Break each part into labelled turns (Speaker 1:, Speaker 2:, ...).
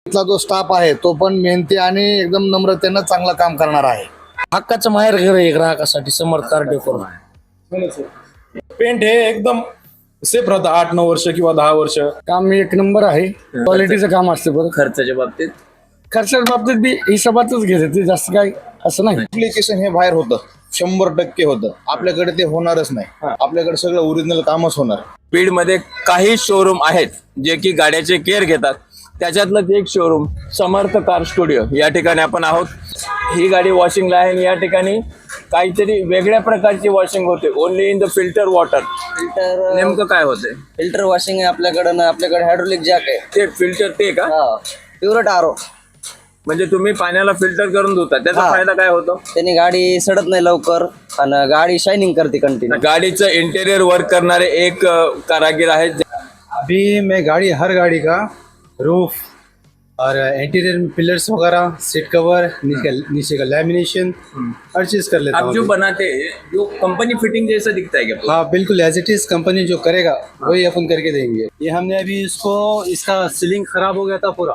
Speaker 1: इथला जो स्टाफ आहे तो पण मेहनती आणि एकदम नम्रतेनं चांगलं काम करणार आहे.
Speaker 2: हक्काचं माहेर घर आहे ग्राहकासाठी समर्थ कार डेकोर.
Speaker 3: पेंट हे एकदम सेफ राहतं 8-9 वर्ष किंवा 10 वर्ष.
Speaker 1: काम एक नंबर आहे. क्वालिटीचं काम असते. बरं
Speaker 4: खर्चाच्या बाबतीत
Speaker 1: खर्चाच्या बाबतीत बी हिशोबातच घेते ते, जास्त काय असं नाही.
Speaker 5: ऍप्लिकेशन हे बाहेर होतं 100% होतं. आपल्याकडे ते होणारच नाही. आपल्याकडे सगळं ओरिजिनल कामच होणार.
Speaker 4: बीडमध्ये काही शोरूम आहेत जे की गाड्याचे केअर घेतात. त्याच्यातलंच एक शोरूम समर्थ कार स्टुडिओ या ठिकाणी आपण आहोत. ही गाडी वॉशिंगला आहे आणि या ठिकाणी काहीतरी वेगळ्या प्रकारची वॉशिंग होते. Only in the filter water.
Speaker 6: Filter
Speaker 4: नेमकं काय होते?
Speaker 6: फिल्टर वॉशिंग आहे आपल्याकडे ना. आपल्याकडे हायड्रोलिक जॅक आहे.
Speaker 4: ते फिल्टर ते का?
Speaker 6: प्युरट आरो.
Speaker 4: म्हणजे तुम्ही पाण्याला फिल्टर करून धुता, त्याचा फायदा काय होतो?
Speaker 6: त्याने गाडी सडत नाही लवकर आणि गाडी शायनिंग करते कंटिन्यू.
Speaker 4: गाडीचं इंटेरियर वर्क करणारे एक कारागीर आहेत.
Speaker 7: अभी मैं हर गाड़ी का रूफ और इंटीरियर में पिलर्स वगैरह, सीट कवर, नीचे का लैमिनेशन हर चीज कर लेता
Speaker 4: आप
Speaker 7: हूँ.
Speaker 4: जो बनाते हैं जो कंपनी फिटिंग जैसा दिखता है क्या?
Speaker 7: हाँ बिल्कुल एज इट इज. कंपनी जो करेगा वही अपन करके देंगे. ये हमने अभी इसका सीलिंग खराब हो गया था पूरा.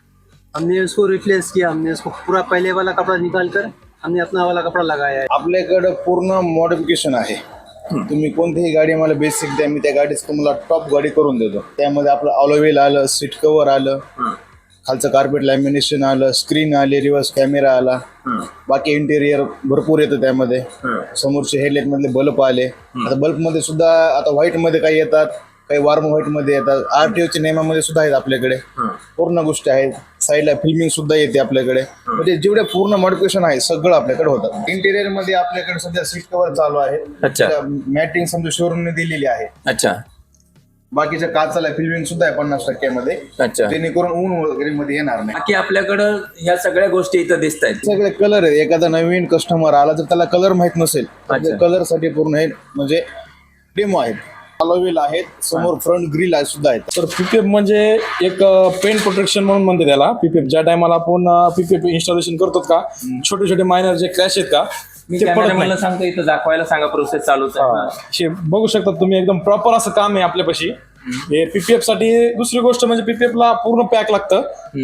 Speaker 7: हमने उसको रिप्लेस किया. हमने उसको पूरा पहले वाला कपड़ा निकाल कर हमने अपना वाला कपड़ा लगाया है.
Speaker 5: आपल्याकडे पूर्ण मॉडिफिकेशन आहे. तुम्ही कोणतीही गाडी मला बेसिक द्या, मी त्या गाडीच तुम्हाला टॉप गाडी करून देतो. त्यामध्ये आपलं ऑलोव्हिल आलं, सीट कव्हर आलं, खालचं कार्पेट लॅमिनेशन आलं, स्क्रीन आली, रिव्हर्स कॅमेरा आला, बाकी इंटेरियर भरपूर येतं त्यामध्ये. समोरचे हेडलाईट मधले बल्ब आले. आता बल्ब मध्ये सुद्धा आता व्हाईट मध्ये काही येतात, काही वार्म व्हाईट मध्ये येतात. आरटीओच्या नियमामध्ये सुद्धा आहेत आपल्याकडे. पूर्ण गोष्टी आहेत. साईडला फिल्मिंग सुद्धा येते आपल्याकडे. म्हणजे जेवढे पूर्ण मॉडिफिकेशन आहे सगळं आपल्याकडे होतं. इंटेरियर मध्ये आपल्याकडे सध्या सीट कव्हर चालू आहे.
Speaker 4: अच्छा.
Speaker 5: मॅटिंग समजा शोरूमने दिलेली आहे.
Speaker 4: अच्छा.
Speaker 5: बाकीच्या काचाला फिल्मिंग सुद्धा आहे 50% मध्ये.
Speaker 4: अच्छा.
Speaker 5: जेणेकरून ऊन वगैरे मध्ये येणार नाही.
Speaker 4: बाकी आपल्याकडं ह्या सगळ्या गोष्टी इथं दिसत आहेत.
Speaker 5: सगळे कलर आहेत. एखादा नवीन कस्टमर आला तर त्याला कलर माहित नसेल, कलर साठी पूर्ण हे म्हणजे डेमो आहेत. अलोव्हिल आहेत. समोर फ्रंट ग्रिल आहे सुद्धा आहेत.
Speaker 3: तर पीपीएफ म्हणजे एक पेंट प्रोटेक्शन म्हणून म्हणते त्याला. पीपीएफ ज्या टायमाला आपण पीपीएफ इन्स्टॉलेशन करतो का, छोटे छोटे मायनर जे क्रॅश आहेत का,
Speaker 4: मी
Speaker 3: ते पडत
Speaker 4: कॅमेरामॅनला
Speaker 3: नाही.
Speaker 4: सांगतो इथं दाखवायला सांगा, प्रोसेस चालूच आहे.
Speaker 3: हे बघू शकता तुम्ही, एकदम प्रॉपर असं काम आहे आपल्यापाशी. हे पीपीएफ साठी. दुसरी गोष्ट म्हणजे पीपीएफ ला पूर्ण पॅक लागतं.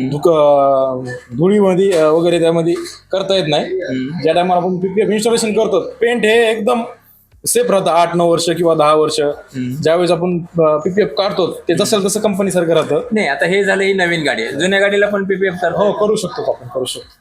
Speaker 3: धुळीमध्ये वगैरे त्यामध्ये करता येत नाही. ज्या टायमाला आपण पीपीएफ इन्स्टॉलेशन करतो, पेंट हे एकदम सेफ राहतं 8-9 वर्ष किंवा 10 वर्ष. ज्यावेळेस आपण पीपीएफ काढतो ते जसं तसं कंपनी सारखं राहतं.
Speaker 4: नाही, आता हे झालं ही नवीन गाडी आहे. जुन्या गाडीला पण पीपीएफ कर.
Speaker 3: हो, करू शकतो आपण, करू शकतो.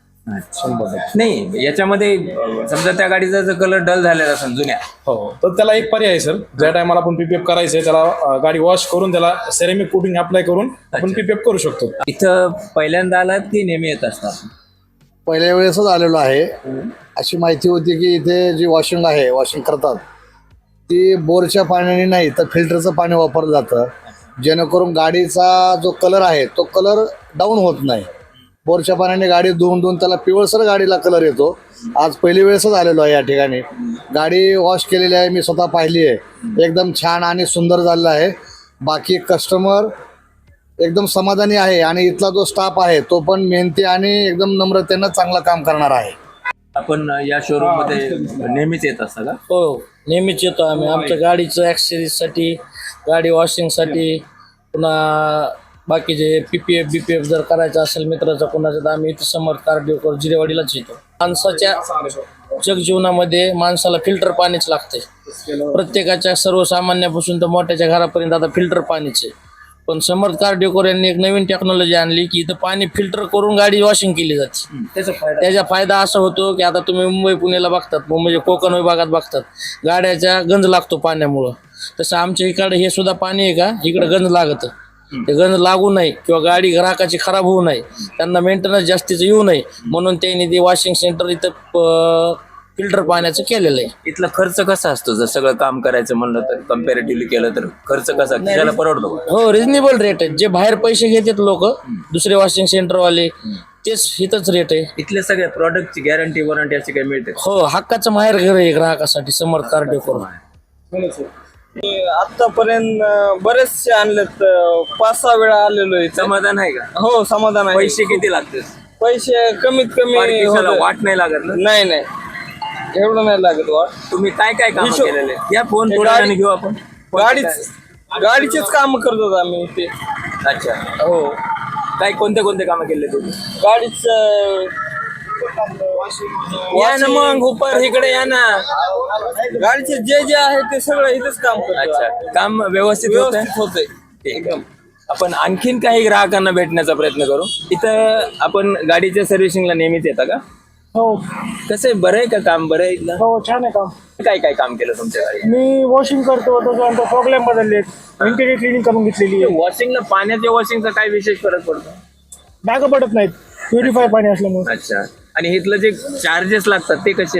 Speaker 4: नाही, याच्यामध्ये समजा त्या गाडीचा जर कलर डल झालेला असेल जुन्या,
Speaker 3: हो, तर त्याला एक पर्याय आहे सर. ज्या टायमाला आपण पीपीएफ करायचंय त्याला गाडी वॉश करून त्याला सेरेमिक कोटिंग अप्लाय करून आपण पीपीएफ करू शकतो.
Speaker 4: इथं पहिल्यांदा आलात की नेहमी येत असतात?
Speaker 1: पहिल्या वेळेसच आलेलो आहे. अशी माहिती होती की इथे जी वॉशिंग आहे, वॉशिंग करतात ती बोरच्या पाण्याने नाही तर फिल्टरचं पाणी वापरलं जातं. जेणेकरून गाडीचा जो कलर आहे तो कलर डाऊन होत नाही. बोरच्या पाण्याने गाडी धुवून त्याला पिवळसर गाडीला कलर येतो. आज पहिली वेळेसच आलेलो आहे या ठिकाणी. गाडी वॉश केलेली आहे, मी स्वतः पाहिली आहे. एकदम छान आणि सुंदर झालेलं आहे. बाकी कस्टमर एकदम समाधानी आहे आणि इथला जो स्टाफ आहे तो पण मेहनती आणि एकदम नम्रतेनं चांगलं काम करणार आहे.
Speaker 4: आपण या शोरूम मध्ये नेहमीच येत असता का?
Speaker 2: हो, नेहमीच येतो आम्ही. आमच्या गाडीचं ॲक्सेसरीजसाठी, गाडी वॉशिंगसाठी, पुन्हा बाकीचे पीपीएफ बीपीएफ जर करायचं असेल मित्राचं कोणाचं, तर आम्ही इथं समर्थ कार डेकोर जिरेवाडीलाच येतो. माणसाच्या जगजीवनामध्ये माणसाला फिल्टर पाणीच लागतंय. प्रत्येकाच्या सर्वसामान्यापासून तर मोठ्याच्या घरापर्यंत आता फिल्टर पाणीच आहे. पण समर्थ कार डेकोर यांनी एक नवीन टेक्नॉलॉजी आणली की इथं पाणी फिल्टर करून गाडी वॉशिंग केली जाते. त्याचा फायदा असा होतो की आता तुम्ही मुंबई पुण्याला बघतात, मुंबईच्या कोकण विभागात बघतात, गाड्याच्या गंज लागतो पाण्यामुळं. तसं आमच्या इकडे हे सुद्धा पाणी आहे का, इकडे गंज लागतं. ते गंज लागू नये किंवा गाडी ग्राहकाची खराब होऊ नये, त्यांना मेंटेनन्स जास्तीचं येऊ नये म्हणून त्यांनी ते वॉशिंग सेंटर इथं फिल्टर पाण्याचं केलेलं आहे.
Speaker 4: इथला खर्च कसा असतो जर सगळं काम करायचं म्हणलं तर, कम्पॅरेटिव्हली केलं तर खर्च कसा त्याला परवडतो?
Speaker 2: हो, रिजनेबल रेट आहे. जे बाहेर पैसे घेतात लोक दुसरे वॉशिंग सेंटरवाले, तेच इथंच रेट आहे.
Speaker 4: इथल्या सगळ्या प्रॉडक्टची गॅरंटी वॉरंटी अशी काही मिळते?
Speaker 2: हो, हक्काचं माहेर घर आहे ग्राहकासाठी समर्थ कार डेकोर.
Speaker 6: आतापर्यंत बरेचसे आणलेत. 5-6 वेळा आलेलो आहे.
Speaker 4: समाधान आहे का?
Speaker 6: हो, समाधान आहे.
Speaker 4: पैसे किती लागते?
Speaker 6: पैसे कमीत कमी होतं.
Speaker 4: वाट नाही लागत ना?
Speaker 6: नाही, एवढं नाही लागत वाट.
Speaker 4: तुम्ही काय काय काम केलेले? या फोन थोड्या वेळाने घेऊ आपण.
Speaker 6: गाडीचेच काम करतो आम्ही ते.
Speaker 4: अच्छा.
Speaker 6: हो,
Speaker 4: काय कोणते कामं केले तुम्ही?
Speaker 6: गाडीच
Speaker 4: या ना मग उपर इकडे या ना.
Speaker 6: गाडीचे जे आहे ते सगळं इथेच काम करतो.
Speaker 4: अच्छा, काम व्यवस्थित होतंय. ठीक आहे. आपण आणखीन काही ग्राहकांना भेटण्याचा प्रयत्न करू. इथं आपण गाडीच्या सर्व्हिसिंगला नेहमीच येता का?
Speaker 8: हो
Speaker 4: कसं आहे, बरं आहे का काम? बरं आहे इथलं?
Speaker 8: हो छान आहे काम.
Speaker 4: काय काय काम केलं तुमच्या गाडी?
Speaker 8: मी वॉशिंग करतो, त्याच्यानंतर प्रॉब्लेम बदललेत, इंटेरियर क्लिनिंग करून घेतलेली आहे.
Speaker 4: वॉशिंगला पाण्याच्या वॉशिंगचा काय विशेष फरक पडतो?
Speaker 8: डाग पडत नाहीत, प्युरिफाय पाणी असल्यामुळे.
Speaker 4: अच्छा, आणि इथलं जे चार्जेस लागतात ते कसे?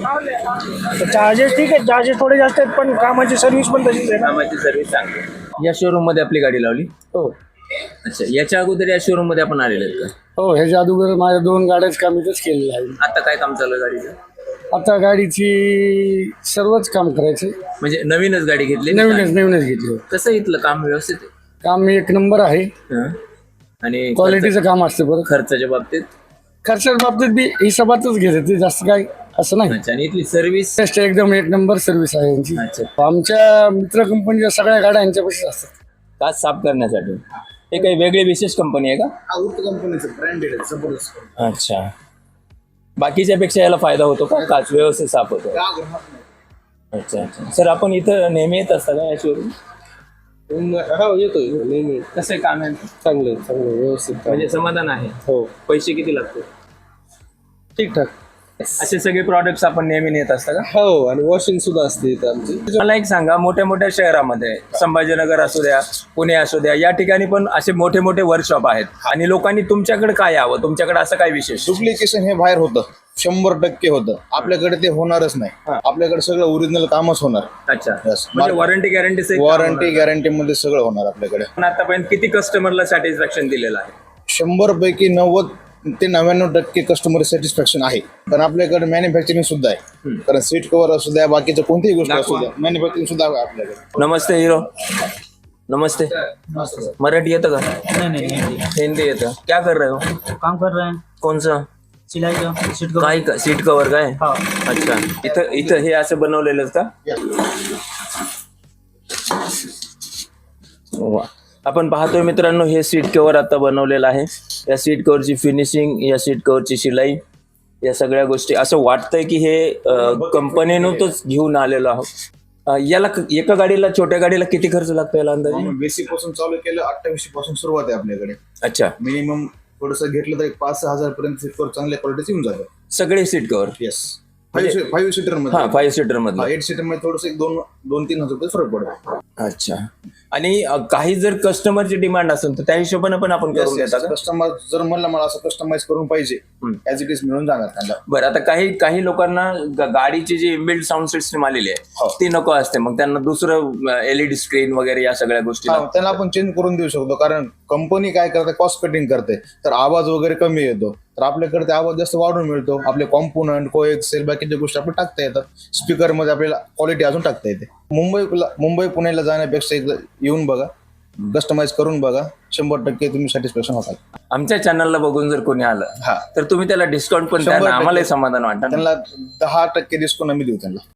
Speaker 8: चार्जेस ठीक आहे, चार्जेस थोडे जास्त आहेत, पण कामाची सर्व्हिस पण तशीच आहे ना.
Speaker 4: कामाची सर्व्हिस चांगली. या शोरूम मध्ये आपली गाडी लावली?
Speaker 1: हो
Speaker 4: अच्छा, याच्या अगोदर या शोरूम मध्ये आपण आलेले आहेत का?
Speaker 1: हो ह्याच्या अगोदर माझ्या 2 गाड्याच काम इथंच केलेलं आहे.
Speaker 4: आता काय काम चालू आहे गाडीचं?
Speaker 1: आता गाडीची सर्वच काम करायचे.
Speaker 4: म्हणजे नवीनच गाडी घेतली?
Speaker 1: नवीनच घेतली.
Speaker 4: कसं इथलं काम व्यवस्थित आहे?
Speaker 1: काम 1 नंबर आहे.
Speaker 4: हं? आणि
Speaker 1: क्वालिटीचं काम असते. बरं
Speaker 4: खर्चाच्या बाबतीत?
Speaker 1: खर्चाच्या बाबतीत बी हिशोबातच घेते ते, जास्त काय असं नाही.
Speaker 4: अच्छा, आणि इथली सर्व्हिस?
Speaker 1: बेस्ट एकदम 1 नंबर सर्व्हिस आहे यांची.
Speaker 4: अच्छा,
Speaker 1: आमच्या मित्र कंपनीच्या सगळ्या गाड्या यांच्यापाशीच असतात.
Speaker 4: काच साफ करण्यासाठी. हे काही वेगळी विशेष कंपनी आहे का?
Speaker 5: कंपनीचं ब्रँडेड आहे, जबरदस्त.
Speaker 4: अच्छा, बाकीच्या पेक्षा याला फायदा होतो का? काच व्यवस्थित साफ होतो? अच्छा अच्छा. सर, आपण इथं नेहमी येत असता का या शोरूम?
Speaker 7: हो येतोय नेहमी.
Speaker 4: कसं आहे काम आहे?
Speaker 7: चांगलं व्यवस्थित काम.
Speaker 4: म्हणजे समाधान आहे?
Speaker 7: हो
Speaker 4: पैसे किती लागतो?
Speaker 7: ठीकठाक.
Speaker 4: असे सगळे प्रॉडक्ट्स आपण नेहमी नेत असता का?
Speaker 7: हो, आणि वॉशिंग सुद्धा असते इथं आमची.
Speaker 4: मला एक सांगा, मोठ्या मोठ्या शहरामध्ये संभाजीनगर असू द्या, पुणे असू द्या, या ठिकाणी पण असे मोठे मोठे वर्कशॉप आहेत आणि लोकांनी तुमच्याकडे काय यावं? तुमच्याकडे असं काय विशेष?
Speaker 5: डुप्लिकेशन हे बाहेर होतं, 100% होतं. आपल्याकडे ते होणारच नाही. आपल्याकडे सगळं ओरिजिनल कामच होणार.
Speaker 4: अच्छा,
Speaker 5: Yes.
Speaker 4: म्हणजे वॉरंटी गॅरंटी?
Speaker 5: वॉरंटी गॅरंटी मध्ये सगळं होणार आपल्याकडे.
Speaker 4: पण आतापर्यंत किती कस्टमरला सॅटिस्फॅक्शन दिलेलं आहे?
Speaker 5: 100 पैकी 90 ते 99% कस्टमर सॅटिस्फॅक्शन आहे. कारण आपल्याकडे मॅन्युफॅक्चरिंग सुद्धा आहे. कारण सीट कव्हर असू द्या, बाकीच्या कोणतीही गोष्ट असू द्या, मॅन्युफॅक्चरिंग सुद्धा आहे आपल्याकडे.
Speaker 4: नमस्ते हीरो. नमस्ते. मराठी येतं का?
Speaker 9: नहीं
Speaker 4: हिंदी येतं. क्या कर रहे हो?
Speaker 9: काम कर रहे हैं,
Speaker 4: कौन सा?
Speaker 9: सिलाई का सीट का.
Speaker 4: काय का सीट कव्हर काय?
Speaker 9: हाँ
Speaker 4: अच्छा, इथं हे असं बनवलेलं का? वा. आपण पाहतोय मित्रांनो, हे सीट कव्हर आता बनवलेलं आहे. या सीट कव्हरची फिनिशिंग, या सीट कव्हरची शिलाई, या सगळ्या गोष्टी असं वाटतंय की हे कंपनीनंच घेऊन आलेलो आहोत. याला एका गाडीला, छोट्या गाडीला किती खर्च लागतो याला अंदाजे?
Speaker 5: बेसिक पासून चालू केलं 2800 पासून सुरुवात आहे आपल्याकडे.
Speaker 4: अच्छा,
Speaker 5: मिनिमम थोडंसं घेतलं तर 5-6 हजार पर्यंत सीट कव्हर चांगल्या क्वालिटीचे येऊन जातं.
Speaker 4: सगळे सीट कव्हर?
Speaker 5: येस. 5 सीटर मध्ये.
Speaker 4: हा, 5 सीटर मध्ये.
Speaker 5: 8 सीटर मध्ये थोडंसं 2-3 हजार रुपये फरक पडतो.
Speaker 4: अच्छा, आणि काही जर कस्टमरची डिमांड असेल तर त्या हिशोबाने पण आपण करून देतात का?
Speaker 5: कस्टमर जर म्हणलं मला असं कस्टमाइज करून पाहिजे, ॲज इट इज मिळून जाणार त्यांना.
Speaker 4: बरं, आता काही लोकांना गाडीची जी इनबिल्ट साऊंड सिस्टम आलेली आहे ती नको असते, मग त्यांना दुसरं LED स्क्रीन वगैरे या सगळ्या गोष्टी
Speaker 5: त्यांना आपण चेंज करून देऊ शकतो. कारण कंपनी काय करते, कॉस्ट कटिंग करते, तर आवाज वगैरे कमी येतो. तर आपल्याकडे ते आवाज जास्त वाढून मिळतो. आपले कॉम्पोनंट, कोएक्सेल, बाकीच्या गोष्टी आपण टाकता येतात. स्पीकर मध्ये आपल्याला क्वालिटी अजून टाकता येते. मुंबई पुण्याला जाण्यापेक्षा एकदा येऊन बघा, कस्टमाइज करून बघा, 100% तुम्ही सॅटिस्फॅक्शन होताल.
Speaker 4: आमच्या चॅनलला बघून जर कोणी आलं तर तुम्ही त्याला डिस्काउंट पण द्या ना, आम्हालाही समाधान वाटतं.
Speaker 5: त्यांना 10% डिस्काउंट आम्ही देऊ त्यांना.